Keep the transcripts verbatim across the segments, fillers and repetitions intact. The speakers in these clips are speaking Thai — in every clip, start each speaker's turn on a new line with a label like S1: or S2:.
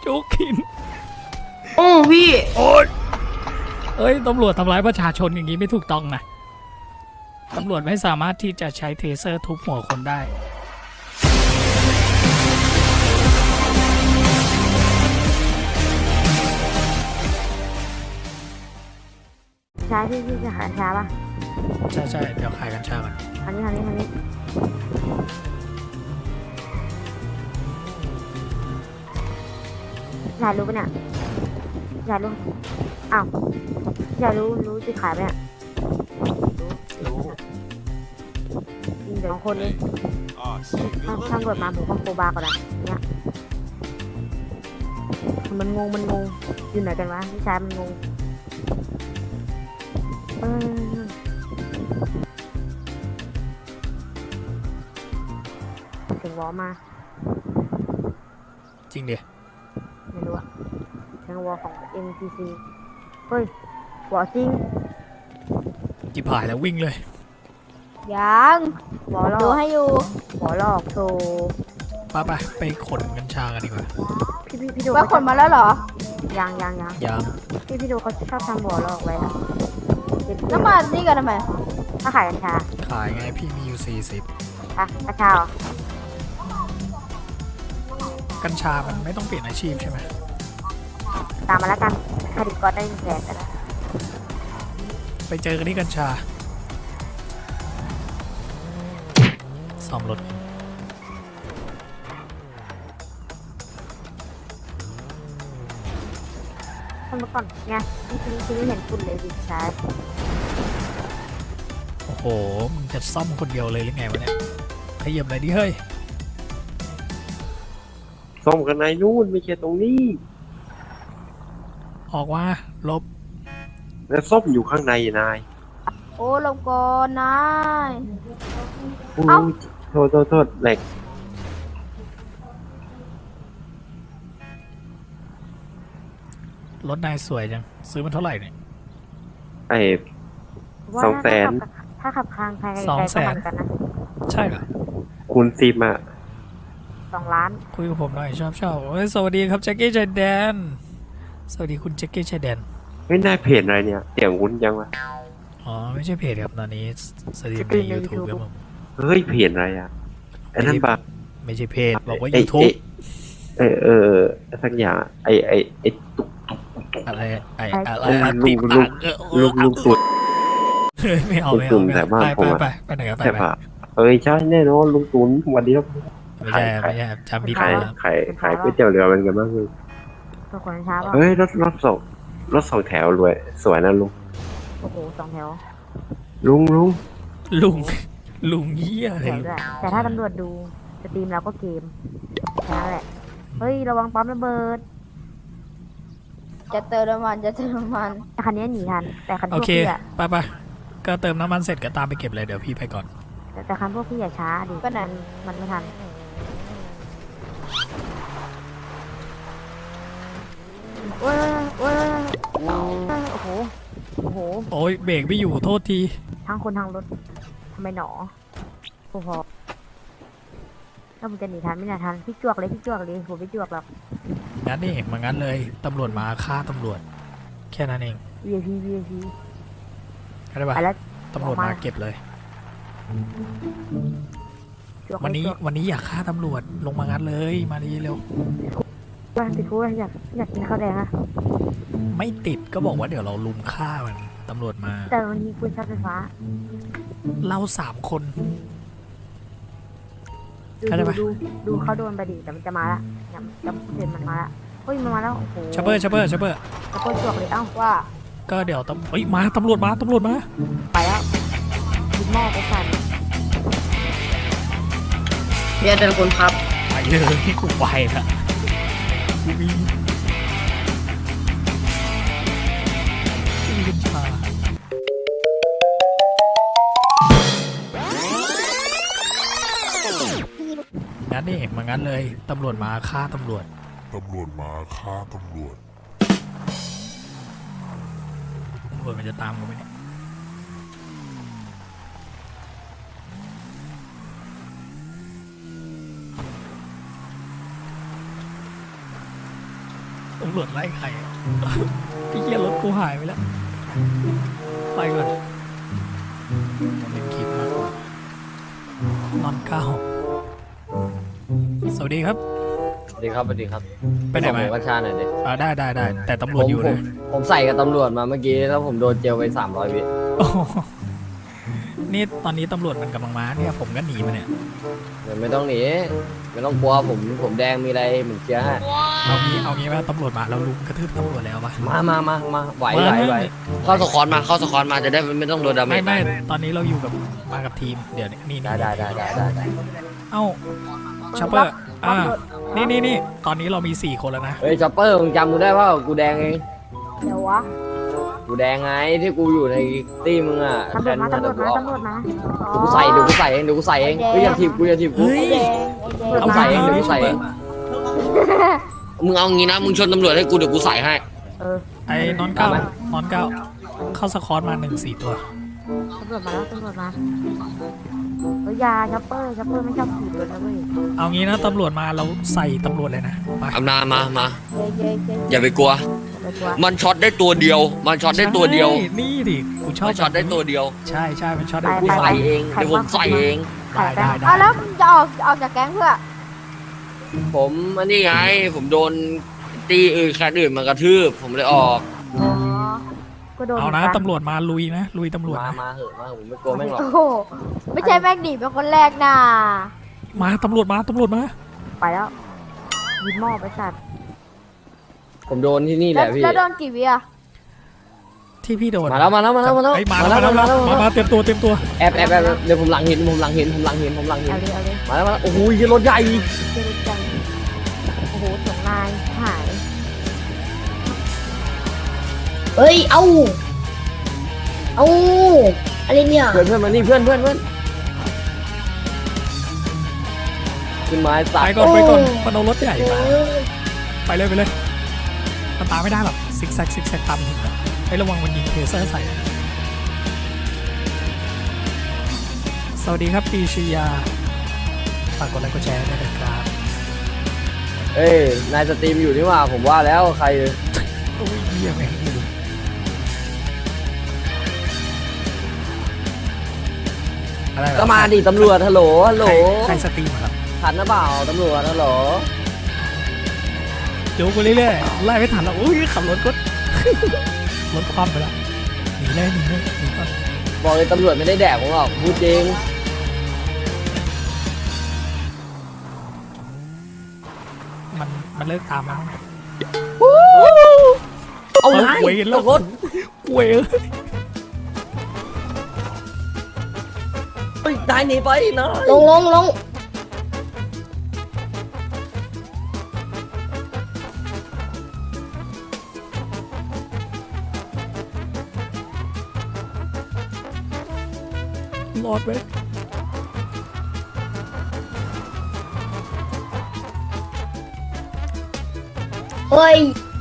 S1: จุกหิน
S2: โอ้พี่
S1: โอ้ยเอ้ยตำรวจทำร้ายประชาชนอย่างนี้ไม่ถูกต้องนะตำรวจไม่สามารถที่จะใช้เทเซอร์ทุบหัวคนได้
S3: ใช่พี่พี่จะขายชาป่ะ
S1: ใช่ใช่เดี๋ยวขายกัญชาก่อน
S3: อันนี้อันนี้อันนี้อยากรู้ปะเนี่ยอยากรู้อ้าวอยากรู้รู้จะขายไหมเนี่ย
S1: รู้
S3: จริงเดี๋ยวสองคนนี้ถ้าตำรวจมาผมก็โคบาก่อนนะเนี่ยมันงงมันงงอยู่ไหนกันวะพี่ชายมันงงเออเสียงวอมา
S1: จริงดิ
S3: ไม่รู้อะเสียงวอของ เอ็ม ที ซี เฮ้ย วอจริง
S1: จิบหายแล้ววิ่งเลย
S3: ยังวอลอก
S2: ดูให้อยู่
S3: วอลอกโซ
S1: ป้าไปไปขนกัญชากันดีกว่า
S3: พี่พี่พี่ดู
S2: ว่าขนมาแล้วเหรอ
S3: ยังยังยัง
S1: ยัง
S3: พี่พี่ดูเขาชอบทำวอลอกไว้อะ
S2: แล้วมานี่กันทำไม
S3: ถ้าขายกัญชา
S1: ขายไงพี่มีอยู่สี่สิบ
S3: อะกัญชาเหรอ
S1: กัญชามันไม่ต้องเปลี่ยนอาชีพใช่ไหม
S3: ตามมาแล้วกันคดีก็ได้หนึ่งแสนแต่ละ
S1: ไปเจอกันที่กัญชาซ่อมรถ
S3: คนเมื่อก่อนไงพี่พี่พี่เห็นคุณเลยดิใช่
S1: โอ้โหมึงจะซ่อมคนเดียวเลยหรือไงวะเนี่ยขยับเลยดิเฮ้ย
S4: ซ่อมกันในนู่นไม่ใช่ตรงนี้
S1: ออกว่าลบ
S4: แล้วซ่อมอยู่ข้างในนาย
S2: โอ้ลงก่อนนาย
S4: โอ้โทษโทษโทษเหล็ก
S1: รถนายสวยจังซื้อมันเท่าไหร่เนี่ย
S4: ไอ้สองแสน
S3: ถ้าขับคางใคร
S1: สองแสน
S3: กันนะ
S1: ใช่เหรอ
S4: คุณซิมอะ
S3: สองล้าน
S1: คุยกับผมหน่อยชอบชอบเฮ้ยสวัสดีครับแจ็คกี้ชายแดนสวัสดีคุณแจ็คกี้ชายแดน
S4: ไม่น่าเพจอะไรเนี่ยเสียงวุ้นยังวะ
S1: อ๋อไม่ใช่เพจครับตอนนี้สตรีมใน ยูทูบ ครับผม
S4: เฮ้ยเพจอะไรอ่ะไอ้นั่นปะ
S1: ไม่ใช่เพจบอกว่า ยูทูบ
S4: เออเออสักอย่างไอ้ไอ้ไอ้ตุ๊กตุ๊ก
S1: ตุ๊กอะไรไอ้อะไร
S4: ลุงลุงลุงลุงสุด
S1: ไม่เอาไม่เอาไปไปไปไปไหนกันไปไป
S4: เอ้ยใช่แน่นอนลุงตุนวันนี้
S1: ไม่ใช่ไม่ใช่จำผิด
S4: ขายขายขายก๋วยเตี๋ยวเรือเป็นกันบ้างเลยเฮ้ยรถรถสองรถสองแถวรวยสวยนะลุง
S3: โอ้โหสองแถว
S4: ลุงลุง
S1: ลุงลุงเหี้ยอะไร
S3: แต่ถ้าตำรวจดูสตรีมแล้วก็เกมแค่นั้นแหละเฮ้ยระวังปั๊มระเบิด
S2: จะเติมน้ำมันจะเติมน้ำมัน
S3: คันนี้หนีทันแต่คันพวก
S1: พี่อะไปไปก็เติมน้ำมันเสร็จก็ตามไปเก็บเลยเดี๋ยวพี่ไปก่อน
S3: แต่คันพวกพี่อย่าช้าดิ
S2: ก็นั่น
S3: มันไม่ทันโอ้ยโอ้ยโอ้โหโอ้โห
S1: โอ้ยเบรกไม่อยู่โทษที
S3: ทั้งคนทั้งรถทำไมหนอโอ้โหถ้ามึงจะหนีทันไม่หนีทันพี่จวกเลยพี่จวกเลยผมไม่จวกหรอก
S1: งั้นนี่มางั้นเลยตำรวจมาฆ่าตำรวจแค่นั้นเอง
S3: วี ไอ พี วี ไอ พี
S1: อะไรบ้างตำรวจมาเก็บเลยวันนี้วันนี้อยากฆ่าตำรวจลงมางั้นเลยมาดีเร็ว
S3: บ้านติดคุกอยากอยากกินข้าวแดงอะ
S1: ไม่ติดก็บอกว่าเดี๋ยวเราลุมฆ่ามันตำรวจมา
S3: แต่วันนี้ปืนช็อตไฟฟ้า
S1: เราสามคน
S3: ดูดูดูเขาโดนไปดิแต่มันจะมาละจะจะเห็นมันมาละเฮ้ยมันมาแล้วโอ้โห
S1: ชัปเปอร์ชัปเปอร์ชัปเปอร์
S3: ชัปเปอร์จวกเลยเอ้าว่า
S1: ก็เดี๋ยวตำเฮ้ยมาตำรวจมาตำรวจมา
S3: ไปแล้วยิงหม้อไปสั่น
S2: เบียร์เดินคนครับ
S1: ไปเลยกูไปละกูมีกัญชางั้นนี่มางั้นเลยตำรวจมาฆ่าตำรวจ
S5: ตำรวจมาฆ่าตำรวจ
S1: ตำรวจมันจะตามกูไหมเนี่ยตำรวจไล่ใครอะไอ้เหี้ยรถกูหายไปแล้ว ไปก่อนมันเป็นคลิปมากกว่านอนเก้าสวัสดีครับ
S6: สวัสดีครับสวัสดีครับ
S1: ไปไหนมา
S6: ผมกัญชาหน่อยดิ
S1: อ่าได้ได้ได้แต่ตำรวจ
S6: ผม
S1: อยู่
S6: ผ
S1: นะ
S6: มผมใส่กับตำรวจมาเมื่อกี้แล้วผมโดนเจลไปสามร้อยวิ
S1: โอ้โหนี่ตอนนี้ตำรวจมันกำลังมาเนี่ยผมก็หนีมาเนี่ย
S6: เดี๋ยวไม่ต้องหนีไม่ต้องกลัวผมผมแดงมีอะไรเหมือนเคลียร์ให้
S1: เอางี้เอางี้ว่าตำรวจมาเราลุมกระทืบตำรวจแล้วปะ
S6: มามามามาไหวไหวไหวเข้าสควอตมาเข้าสควอตมาจะได้ไม่ต้องโดนดาเม
S1: ไม่
S6: จ
S1: ไม่ตอนนี้เราอยู่กับมากับทีมเดี๋ยวนี้นี่
S6: ได้
S1: นี่
S6: ได้ได้ได้ได้ได้
S1: เอ้าชัปเปอร์อ่านี่นี่นี่ตอนนี้เรามีสี่คนแล้วนะ
S6: เฮ้ยช็อปเปอร์มึงจำกูได้ว่ากูแดงเอง
S3: เดี๋ยววะ
S6: กูแดงไงที่กูอยู่ในตี้มึงอ่ะ
S3: ตำรวจมาตำรวจมาตำรวจมา
S6: กูใส่เดี๋ยวกูใส่เองเดี๋ยวกูใส่เองเฮ้ยอย่าทีบกูอย่าทีบกู
S1: เฮ้ย
S2: ไอ้แดงไอ้แดง
S6: กูใส่เองเดี๋ยวกูใส่เองมึงเอางี้นะมึงชนตำรวจให้กูเดี๋ยวกูใส่ให้
S3: เออ
S1: ไอ้นอนเก้านอนเก้าเข้าสคอร์ตมาหนึ่งสี่ตัว
S3: ตำรวจมาแล้วตำรวจมาเฮ้ยยาช็อปเปอร์ช็อปเปอร์ไม่ชอบถีบรถนะเว้ย
S1: เอางี้นะตำรวจมาเราใส่ตำรวจเลยนะไป
S6: อำนามามา
S2: เย้เย้เย้
S6: อย่าไปกลัว
S3: ไปตัว
S6: มันช็อตได้ตัวเดียว มันช็อตได้ตัวเดียว
S1: ใช่นี่ดิกูชอบ
S6: มันช็อตได้ตัวเดียว
S1: ใช่ใช่มันช็อตได้
S6: กูใส่เองเดี๋ยวผมใส่เอง
S1: ได้ได้ได้
S2: อ้าวแล้วมึงจะออกออกจากแก๊งเพื่อ
S6: ผมอันนี้ไง ผมโดนตีอื่นแค่อื่นมากระทืบ ผมเลยออก
S2: อ๋อ
S3: ก็โดน
S1: เอานะ
S3: หมืกั
S1: ตำรวจมาลุยนะลุยตำรวจ
S6: มา
S1: นะ
S6: มาเหอะมาผมไม่กลัวแม่งหรอก
S2: โอ้โหไม่ใช่แม็กดีเป็นคนแรกน่ะ
S1: มาตำรวจมาตำรวจมา
S3: ไปแล้วยินหม้อไปสัตว์
S6: ผมโดนที่นี่แห
S2: แล้ว
S6: ละพี่
S2: แล้วโดนกี่วิอะ
S1: ที่พี่โดน
S6: มาแล้วมาแล้วมาแล้วมาแล้ว
S1: เอ้ยมาแล้วมาแล้วมาแล้วมามาเตรียมตัวเตรียมตัว
S6: แอบแอบแอบเดี๋ยวผมหลังหินผมหลังหินผมหลังหินผมหลังหิน
S3: เอาเลยเอาเลย
S6: มาแล้วมาแล้วโอ้โหยรถใหญ่
S3: เจริญจังโอ้โหสองนายหาย
S7: เฮ้ย เอา เอาอะไรเนี่ย
S6: เพื่อนเพื่อนมานี่เพื่อนเพื่อนเพื่อนขึ้นไม้สั
S1: ไป
S6: ตว์
S1: ก่อน
S7: โอ้
S1: ไปก่อนมันเอารถใหญ่
S7: โอ้
S1: มาย ไปเลยไปเลยมันตามไม่ได้หรอกซิกแซกซิกแซกตามหินอะให้ระวังมันยิงเทเซอร์ใส่สวัสดีครับปีชยาฝากกดไลค์กดแชร์ด้วยนะครับ
S6: เอ้ยนายสตรีมอยู่นี่หว่าผมว่าแล้วใคร
S1: โอ้ยเยี่ยมเองดูอะไรเหรอ
S6: ก็มาดิตำรวจฮัลโหลฮัลโหล
S1: ใครใครสตรีมเหรอครับ
S6: ทันนะเปล่าตำรวจฮัลโหล
S1: โยกไปเรื่อยๆไล่ไม่ทันแล้วอุ้ยขับรถก็ รถคว่ำไปแล้วหนีเลยหนีเลยหนีก่อน
S6: บอกเลยตำรวจไม่ได้แดกผมหรอกพูดจริง
S1: มันมันเลิกตามแล้วมั้ง
S6: เอาไง
S1: เวยแล้ว
S6: รถ
S1: เวย
S6: เฮ้ยนายหนีไปนะ
S7: ลงลงลง
S1: รอดไว้
S7: เฮ้ย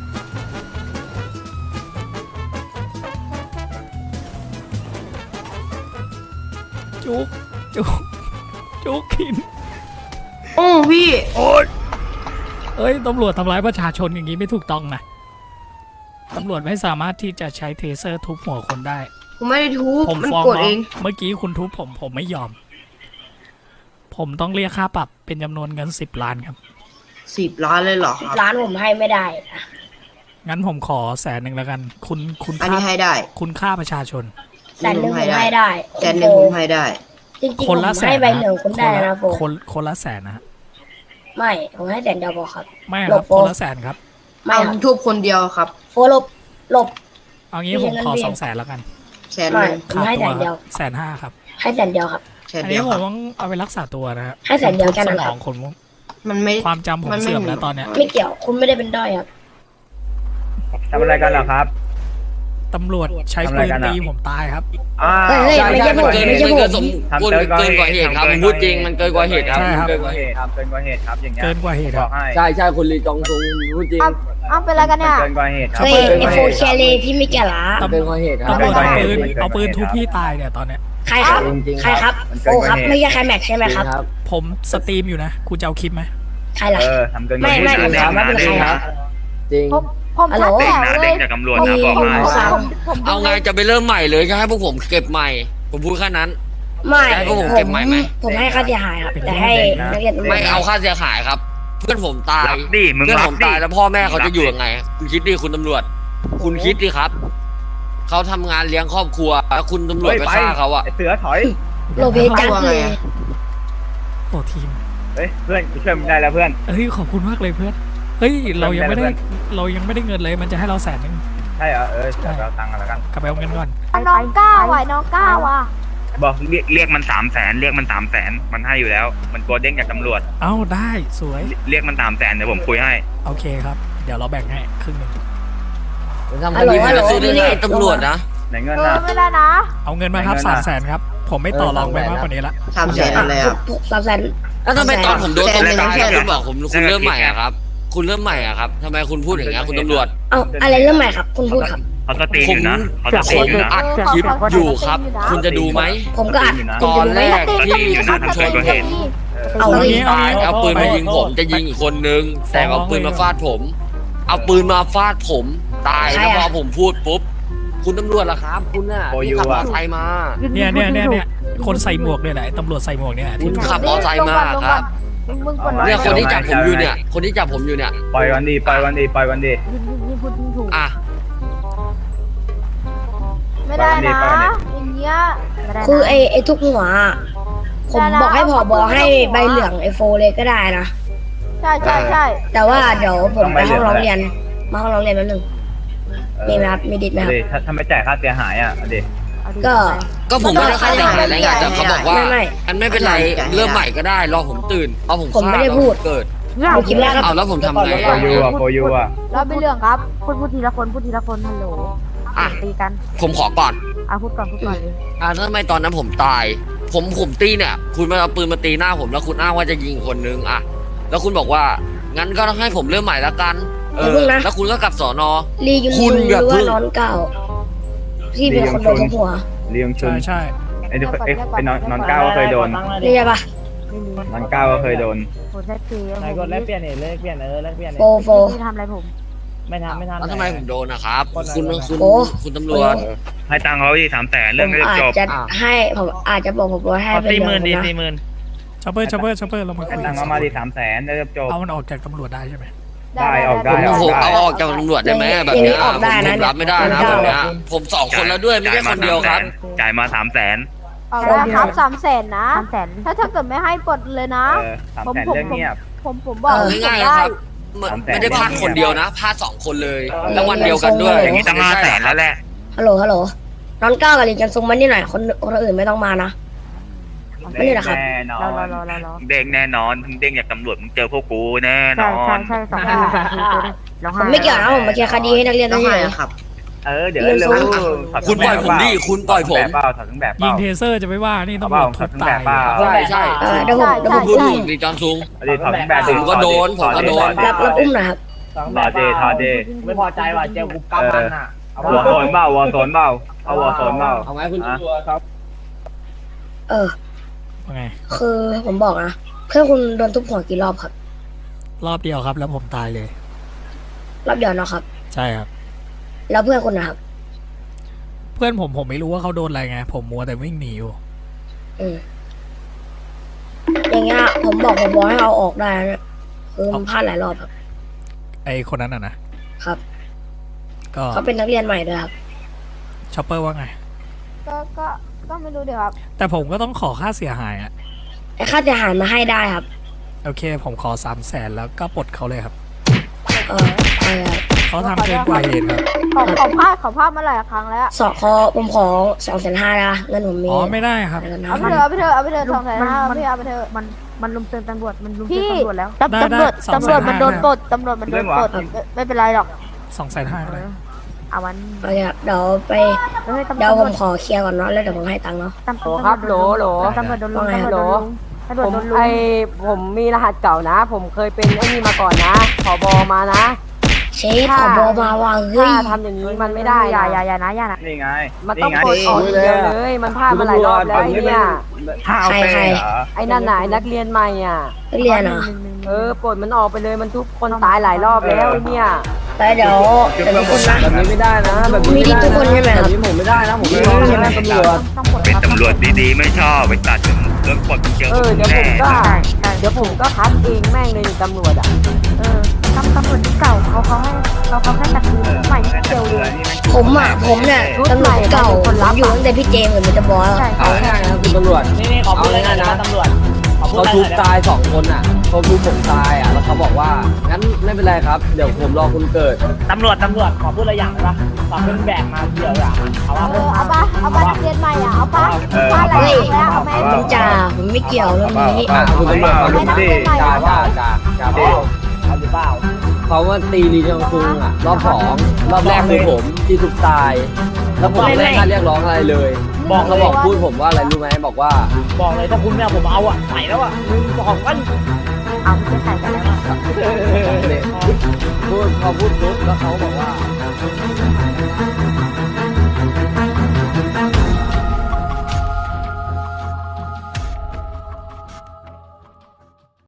S1: จุกจุกจุกขิน
S7: โอ้พี่
S1: โอ๊ยเอ้ยตำรวจทำร้ายประชาชนอย่างนี้ไม่ถูกต้องนะตำรวจไม่สามารถที่จะใช้เทเซอร์ทุบหัวคนได้
S7: ผมไม่ได้ทุบ
S1: ผม
S7: มัน
S1: ฟ้อง
S7: กด
S1: ร้อ
S7: เอง ง
S1: เมื่อกี้คุณทุบผมผมไม่ยอม ผมต้องเรียกค่าปรับเป็นจำนวนเงินสิบล้านครับ
S8: สิบล้านเลยเหรอครับ
S7: ร้านผมให้ไม่ได้นะ
S1: งั้นผมขอแสนหนึ่งแล้วกัน คุณคุณ
S8: อัน
S1: ค่า
S8: นี้ให้ได้
S1: คุณค่าประชาชน
S7: แสนหนึ่งผมให้ได้
S8: แสนหนึ่งผมให้ได้
S7: จริงๆ
S1: คน
S7: ผม
S1: ละแสน
S7: ให้ใบ
S1: นะ
S7: หนึ่งคุณได้
S1: คนละ
S7: นะโฟ
S1: คนคนละแสนนะฮะ
S7: ไม่ผมให้แสนเดียวพอครับ
S1: ไม่ค
S7: หล
S1: รับบ
S7: โฟ
S1: คนละแสนครับ
S7: ไม่
S8: เอา
S7: ครับ
S8: ทุบคนเดียวครับ
S7: โฟลบหลบ
S1: เอางี้
S7: ไม่
S1: ผม
S7: ใช่
S1: ขอ
S7: เงินเดือน
S1: สองแสนแล้วกัน
S8: แสนห
S7: ไม่
S8: นึ่ง
S7: ผมให้แสนเดียว
S1: แสนห้าครับ
S7: ให้แสนเดียวครับ
S8: แสน
S1: อัน
S8: เดี
S1: นี้
S8: ยว
S1: ผ
S8: ครั
S1: ม
S8: บ
S1: ต้องเอาไปรักษาตัวนะฮะ
S7: ให้แสนเดียวแค่นั้น
S1: ส
S7: ค
S1: ม
S7: รั
S1: อบ งคน
S8: มันไม่
S1: ความจำผม
S8: มันไม่
S1: เสื่อม
S8: มี
S1: แล้วตอนเนี้ย
S7: ไม่เกี่ยวคุณไม่ได้เป็นด้อยครับ
S9: ทำอะไรกันเหรอครับ
S1: ตำรวจใช้ปืนตีผมตายครับ
S9: อ่า
S7: เฮ้ยเฮ้ย
S6: ใช่
S7: ไม่
S6: ใช่
S7: ใช่ผ
S6: มัน
S7: ม
S6: เกิน
S7: ไม่ใช่
S6: มัน
S7: ผ
S6: เกิน
S7: ม
S6: สม
S9: ทำ
S6: ควร
S9: เกินกว่า
S6: เกินกว่าเห
S9: เห
S6: ตุ
S9: ตุ
S6: ครับ
S9: ทำเกิ
S6: ผม
S9: น
S6: พูดจริง
S9: กว่าเหตุ
S6: มันเกินกว่าเหตุครับ
S1: ใช่ครับ
S9: เกินกว่าเหตุครับเกินกว่าเหตุครับอย่างเงี้ย
S1: เกินกว่าเหตุ
S9: บ
S1: ค
S9: อ
S1: รับ
S9: กให้
S6: ใช่ใช่คุณลีจองซุงพูดจริง
S2: เอาเอาเป็นอะไรกันเนี่ย
S9: เกินกว่าเหตุครับ
S7: เฮ้ย
S9: กิน
S7: ไอก
S9: ว่า
S7: โฟ
S9: เหตุ
S7: แคเลพี่ไม่แก่ละ
S6: เกินกว่าเหตุครับ
S1: ตำรวจเอาปืน
S9: เกินกว่าเหตุ
S1: เอาปืนทุบพี่ตายเนี่ยตอนเนี้ย
S7: ใครครับ
S6: จริงๆ
S7: ใครครับ
S9: มัน
S7: โฟ
S9: เกินกว่า
S7: ครับ
S9: เหตุ
S7: ไม่ใช่ใครแม็กใช่ไหมครับ
S6: ครับ
S1: ผมสตรีมอยู่นะคุณจะเอาคลิปไหม
S7: ใครล่ะ
S9: เออทำเกินกว่า
S7: ไม่
S9: เหตุ
S7: ไม่ผมถามว่าเป็นใครครับ
S1: ค
S6: จริง
S2: ผมผม
S7: ฮัลโหล
S2: ชัดแจ๋วเลย
S9: จากตำรวจ
S7: มี
S9: นะบอก
S7: ผม
S9: มา
S7: สั่ง
S2: ผมดู
S6: เอาไงจะไปเริ่มใหม่เลยจะให้พวกผมเก็บใหม่ ผมพูดแค่นั้น
S7: ไม่
S6: ให้พวกผม
S7: ผ
S6: เก็บ
S7: ม
S6: ใหม่ไหม
S7: ผมให้ค่าเสียหายครับ แต่ให้นักเรียนตำรวจ
S6: ไม่เอาค่าเสียหายครับ เพื่อนผมตาย
S9: รับดิมึง
S6: เพื่อน
S9: รั
S6: ผ
S9: บ
S6: ม
S9: ดิ
S6: ตายแล้วพ่อแม่เขาจะอยู่ยังไง คุณคิดดิคุณตำรวจ คุณคิดดิครับเขาทำงานเลี้ยงครอบครัวแล้วคุณตำรวจ
S9: เฮ้ย
S6: ไป
S9: ไป
S6: ฆ่าเขาอะ
S9: ไอเสือถอย
S7: โลเพจัดเลย
S1: โอ้ทีม
S9: เฮ้ยเพื่อนกูช่วยมึงได้แล้วเพื่อน
S1: เฮ้ยขอบคุณมากเลยเพื่อนเฮ้ยเรายังไม่ได้เรายังไม่ได้เงินเลยมันจะให้เราแสนนึง
S9: ใช่เหรอเออเดี๋ยวไปเอาตังค์กันแล้วกัน
S1: กลับไปเอาเงินก่อน
S2: น้องก้าวอ่ะน้องก้าวอ่ะ
S9: บอกเรียกเรียกมันสามแสนเรียกมันสามแสนมันให้อยู่แล้ว มันโกลเด้งจากตำรวจ
S1: เอ้าได้สวย
S9: เรียกมันสามแสนเดี๋ยวผมคุยให้
S1: โอเคครับ เดี๋ยวเราแบ่งให้ครึ่งหนึ่ง
S6: ทำคดีผมจะซื้อเรื่องไหนตำรวจนะ
S9: ไหนเงิน
S2: เออ
S9: น่ะ
S2: ไม่ได้นะ
S1: เอาเงินมาครับ
S9: ไม่
S1: สาม
S9: เงิน
S1: แส
S9: อะ
S1: นครับ ผมไม่ต่อรองไปมากกว่านี้ละ
S8: สามแสนอะไรอ่ะ
S7: สามแสน
S6: แล้วทำไมตอนผมโดนตบ
S8: แสนหนึ่ง
S6: ตาย
S8: แสน
S6: คุณบอกผมคุณเริ่มใหม่อะครับ คุณเริ่มใหม่อะครับทำไมคุณพูดอย่างเงี้ยคุณตำรวจ
S7: เอาอะไรเริ่มใหม่ครับ คุณพูดครับ
S9: เขาสตรีม
S6: ผ
S9: อ
S6: ม
S9: ยู่นะเขาสต
S6: ค
S9: รีม
S6: น
S9: อยู่นะ
S6: อัดคลิปอยู่ครับ คุณจะดูไหม
S7: ผมก็อัด
S6: ตอนแรก
S2: ตี
S6: ที่
S2: ก็มี
S6: คุ
S2: คั
S6: ณ
S2: ต
S6: ช
S2: ตี
S6: น
S2: ก็
S6: เห็น
S2: มี
S7: เอา
S1: เอา
S7: เลย
S1: งี้
S6: ตายเอาปืนมายิงผมจะยิงอีกคนนึงแต่เอาปืนมาฟาดผม เอาปืนมาฟาดผมตายแล้วพอผมพูดปุ๊บคุณตำรวจล่ะครับ คุณน่ะที่ขับมอเตอร์ไซค์มา
S1: เนี่ยเนี่ยเนี่ยเนี่ยคนใส่หมวกเนี่ยแหละไอ้ตำรวจใส่หมวกเนี่ย
S6: คุ
S1: ที่
S6: ณขับมอเตอร์ไซค์มาครับ
S2: มึงมึงกด
S6: เนี่ยคนที่จับผมอยู่เนี่ย คนที่จับผมอยู่เนี่ย
S9: ปล่อยวันดีปล่อยวันดีปล่อยวันดี
S3: ยิ่งยิ่งยิ่งพูดยิ่งถูก
S6: อ่ะ
S2: ไม่ได้นะ
S9: ไปวันนี้
S2: อย่างเงี้ย
S3: ไม่ได้นะ
S7: คือไอ้ไอ้ทุกหัวอะผมบอกให้ผอบอให้ใบเหลืองไอโฟเลยก็ได้นะ
S2: ใช่ใช่ใช่
S7: แต่ว่าเดี๋ยวผมไปห้องร้องเรียน มาห้องร้องเรียนแป๊บนึง มีไหมครับ มีดิดไหมครับ
S9: ดิถ้าถ้าไม่จ่ายค่าเสียหายอ่ะเอาดิ
S3: เอาดิ
S7: ก็
S6: ก็ผมไม่ได้ค่าเสียหายอะไรไงแต่เขาบอกว่า
S7: ไม่ไม่
S6: อันไม่เป็นไรเริ่มใหม่ก็ได้รอผมตื่นเอาผม
S7: ผมไม่ได้
S6: ฆ่า
S7: พูด
S6: เกิด
S3: เนี่ย
S7: เอาคลิปแรกครับ
S6: เอาแล้วผมทำไง
S9: โฟยูอ่ะโฟยูอ่ะ
S2: แล้วเป็นเรื่องครับ
S3: พูดพูดทีละคนพูดทีละคนฮัลโหล
S6: อ่ะ
S3: ตีกัน
S6: ผมขอก่อน
S3: เอาพูดก่อนพูดก่อนเลย
S6: อ่าทำไมตอนนั้นผมตาย ผมผมตีเนี่ย คุณมาเอาปืนมาตีหน้าผมแล้วคุณอ้างว่าจะยิงคนนึงอ่ะ แล้วคุณบอกว่า งั้นก็ต้องให้ผมเริ่มใหม่ละกัน เอ
S7: อย่า
S6: อ
S7: เพิ่งนะ
S6: แล้วคุณก็กลับสอนอ
S7: ลียุน
S6: คุ
S7: ซู
S6: ณ
S7: ห
S6: อย่า
S7: รือ
S6: เพิ่
S7: ว่าง นอนเก้าที่เป็นคนโดนทุบหัว
S9: เลี้ยงชุ
S1: ใช่
S9: น
S1: ใช่
S9: ไอ้ทุกไอ้ไอ้นอนนอนก้าวก็เคยโดน
S7: นี่ใช่ปะ
S3: ไม่มี
S9: นอนก้าวก็เคยโดน
S3: โหแท็กซี่
S10: นายกดแลกเปลี่ยนเนี่ยแลกเปลี่ยนเออแลกเปลี่ยน
S7: โฟโฟ
S3: ที่ทำอะไรผม
S10: ไม่ทำไม่ทำ
S6: แล้วทำไมผมโดนนะครับ คุณคุณ
S7: โอ้
S6: คุณตำรวจ
S9: ให้ตังค์เขาที่สามแสน
S7: ผ
S9: เรื่อง
S7: ม
S9: ก็จะ
S7: อา
S9: จ
S7: จ
S9: บ
S7: จะให้ผมอาจจะบอกผมว่าให้
S10: ขอ
S7: เป็น
S10: สี่
S7: เรื่
S10: หมื่
S7: อน ง
S10: ดี
S7: นะ
S10: สี่หมื่น
S1: ชอปเปอร์ชอปเปอร์ชอปเปอร์เรามา
S9: ให้
S1: คุย
S9: ตังค์เขามาที่สามแสนแล้วจะจบ
S1: เอามันออกจากตำรวจได้ใช่ไหม
S9: ได้ออกได้
S6: ผมผมเอาออกจากตำรวจได้ไหมแบบเนี้ยผมผมรับไม่ได้นะแบบเนี้ยผมสองคนแล้วด้วยไม่ใช่คนเดียวครับ
S9: จ่ายมาสามแสน
S2: เอาแล้วครับสามแสนนะ
S3: สามแสน
S2: ถ้าถ้าเกิดไม่ให้ปลดเลยนะ
S9: เออสามแสนเรื่องเงียบ
S2: ผมผมบอก
S6: เอาง่ายๆนะครับไม่ไม่ได้พลาดคนเดียวนะพลาดสองคนเลย แล้ววันเดียวกันด้วย
S9: อย่างนี้ตั้งห้าแสนแล้วแหละ
S7: ฮัลโหลฮัลโหลนอนเก้ากับลีจันซุงมันนี่หน่อยคนคนอื่นไม่ต้องมานะ ไม่ได้เหรอครับ
S9: แน่นอ
S3: รอน รอรอรอรอ
S9: เด้งแน่นอนทั้งเด้งจากตำรวจมึงเจอพวกกูแน่น
S3: ใช่
S9: อ
S3: ใช่
S9: น
S3: ใช่สองคนสองคนตัวนี้ร้อง
S7: ผ
S3: ไห้
S7: มไม่เกี่ยวนะผมมาเคลียร์คดีให้นักเรียน
S8: ต้
S7: ได้
S8: อง
S7: เฉ
S8: ให้
S7: ย
S8: ครับ
S9: เออเดี๋ยวเร็ว
S6: คุณปล่อยผมดิคุณปล่อยผม
S9: เปล่าถอดทั้งแบบเป
S1: ยิ
S9: ล่าง
S1: เทเซอร์จะไม่ว่านี่
S9: เอา
S1: ตำ
S9: เป
S1: ร
S9: ล่าว
S1: จ
S9: ถอ
S1: ทุ
S9: ด
S1: บ
S9: ทั้งแบ
S1: ตาย
S9: บเปล่า
S6: ใช่ใช่
S7: เออเดี๋ยวผมเดี๋ยวผ
S6: คุ
S7: ม
S6: ณพูด
S7: อุ้ม
S6: ถูกดิจอนซุง
S9: เอาดิถอดทั้งแบบ
S6: ผมก็โดนผมก็โดน
S7: รับรับอุ้มหน่อยครับ
S10: สอง
S9: ถอดดิถอดดิ
S10: ไม่พอใจว่ะเจอกูกำมันอ่ะเอา
S9: หัวโซนเปล่าหัวโซนเปล่าเอาหัวโซนเปล่า
S6: เอาไหมคุณ
S9: อ่ะ
S10: ครับ
S7: เออ
S1: ว่าไง
S7: คือผมบอกนะเพื่อนคุณโดนทุบหัวกี่รอบครับ
S1: รอบเดียวครับ แล้วผมตายเลย
S7: รอบเดียวเนาะครับ
S1: ใช่ครับ
S7: แล้วเพื่อนคุณนะครับ
S1: เพื่อนผมผมไม่รู้ว่าเขาโดนอะไรไง ผมมัวแต่วิ่งหนีอยู่
S7: อืมอย่างเงี้ยผมบอกผมบอกให้เอาออกได้นะเนี่ยคือมันพลาดหลายรอบครับ
S1: ไอคนนั้นอ่ะนะครับ ก็
S7: เขาเป็นนักเรียนใหม่ด้วยครับ
S1: ชอปเปอร์ว่าไง
S2: ก็ก็ก็ไม่รู้เดี๋ยวครับ
S1: แต่ผมก็ต้องขอค่าเสียหายอ่ะ
S7: ไอ้ค่าเสียหายมาให้ได้ครับ
S1: โอเค ผมขอสามแสนแล้วก็ปลดเขาเลยครับ
S7: เออเออ
S1: เขาทำเกินกว่าเหตุครับ
S2: ขอขอพลาดขอพลาดมาหลายครั้งแล้ว
S7: สอขอผมขอสองแสนห้านะเงินผมมี
S1: อ๋อไม่ได้ครับ
S7: เงิน
S2: เอา
S7: ห้า
S2: ไป
S7: พัน
S2: เถอะเอาไปเถอะเอาไปเถอะสองแสนห้าพี่เอาไปเถอะ
S3: มันมันลุมเตือนตำรวจมันลุมเตื
S2: พี่
S3: อนตำรวจแล้ว
S2: ตำ
S1: ได้
S2: ตำรวจ
S1: ได้สอง
S2: ตำรวจ
S1: แสนห้า
S2: มันโดนปลดตำรวจมันโดนปลดไม่ไม่เป็นไรหรอก
S1: สองแสนห้าเลย
S3: เอาวัน
S7: โอเคครับเดี๋ยวไป
S3: เฮ้ยตำร
S7: เดี๋ยว
S3: วจ
S7: ผมขอเคลียร์ก่อนเนาะแล้วเดี๋ยวผมให้ตังค์เนาะ
S3: ตำรวจครับโหลโหลตำรวจโดนลุมตำรวจโดนลุมตำรวจโดนลุม
S10: ผมมีรหัสเก่านะ ผมเคยเป็นไอ้นี่มาก่อนนะผบมานะ
S7: เชฟขอบอกมาว่าเฮ้ย
S10: ถ้าทำอย่างนี้มันไม่ได้
S3: อย่า
S10: นะ
S3: อย่าอย่านะอย่านะ
S9: นี่ไง
S10: มันต้อง
S9: ไง
S10: กดออกอย่างเดียวเลย มันพลาดมาหลายรอบแล้วไอ้เนี่ย
S9: ห้าเอาไปเหรอ
S10: ไอ้นั่นน่ะไอ้นักเรียนใหม่อ่ะ
S7: นักเรียนเหรอ
S10: เออปลดมันออกไปเลยมันทุบคนตายหลายรอบแล้วไอ้เนี่ย
S7: แต่ไปเดี๋ยวเดี๋ยวทุกคนนะ
S10: แบบนี้ไม่ได้นะ แบบนี้
S7: มี
S10: ไม่
S7: ที่
S10: ได้
S7: ทุกคนใช่ไหม
S10: แบ
S7: ครับ
S10: บนี้ผมไม่ได้นะผมไม่ยอมใช่ไหมตำรวจ
S3: ต้องปลด
S9: เป็น
S3: ครับ
S9: ตำรวจดีๆ ไม่ชอบไปตัดเรื่องกฎเจอ
S10: เออเดี๋ยวผมก็
S3: ใช่ใช่
S10: เดี๋ยวผมก็คัดเองแม่งเลยนี่ตำรวจอ่ะ
S3: เออตำตำรวจที่เก่าเขาเขาให้เขาเขาให้ตัดคืนใหม่ที่เดียวเลย
S7: ผมอ่ะผมเนี่ยตำรวจเก่าผมอยู่ตั้งแต่พี่เจมส์กับมิสเตอร์บอส
S3: ใช่
S10: เอา
S3: ใช่
S10: ง่ายๆนะคุณตำรวจ
S1: นี่นี่ขอพูดอะไรหน่อยนะตำรวจขอพูด
S10: เขา
S1: อะไรห
S10: ทุ
S1: น่
S10: บ
S1: อยนะ
S10: ตายสองคนอ่ะเขาทุบผมตายอ่ะแล้วเขาบอกว่างั้นไม่เป็นไรครับเดี๋ยวผมรอคุณเกิด
S1: ตำรวจตำรวจขอพูดอะไรอย่างได้ปะฝากเพื่อนแบกมาเกี่ยวอย่างเอาว่า
S2: เออเอาปะเอาปะนักเรียนใหม่อ่ะเอาปะปะอะไร
S7: เฮ้ย
S2: เอาไหม
S7: ผมจ่าผมไม่เกี่ยวเรื่องนี้
S10: อ่ะคุณตำรวจฟังผมดิจ่าว่าจ่าจ่าบอก
S1: เอาหรือเปล่า
S10: เขาว่าตีลีจองซุงอ่ะรอบสองรอบแรกคือผมที่ทุบตาย แล้วผมไม่ได้ค่าเรียกร้องอะไรเลย
S1: บอก
S10: เขาบอกพูดผมว่าอะไรรู้ไหมบอกว่า
S1: บอกเลยถ้าคุณไม่เอาผมเอาอ่ะใส่แล้วอ่ะหนึ่งสองกัน
S3: เอาไม่ใช่ใส่กันแล้วอะ
S10: พูดพอพูดปุ๊บแล้วเขาบอกว่า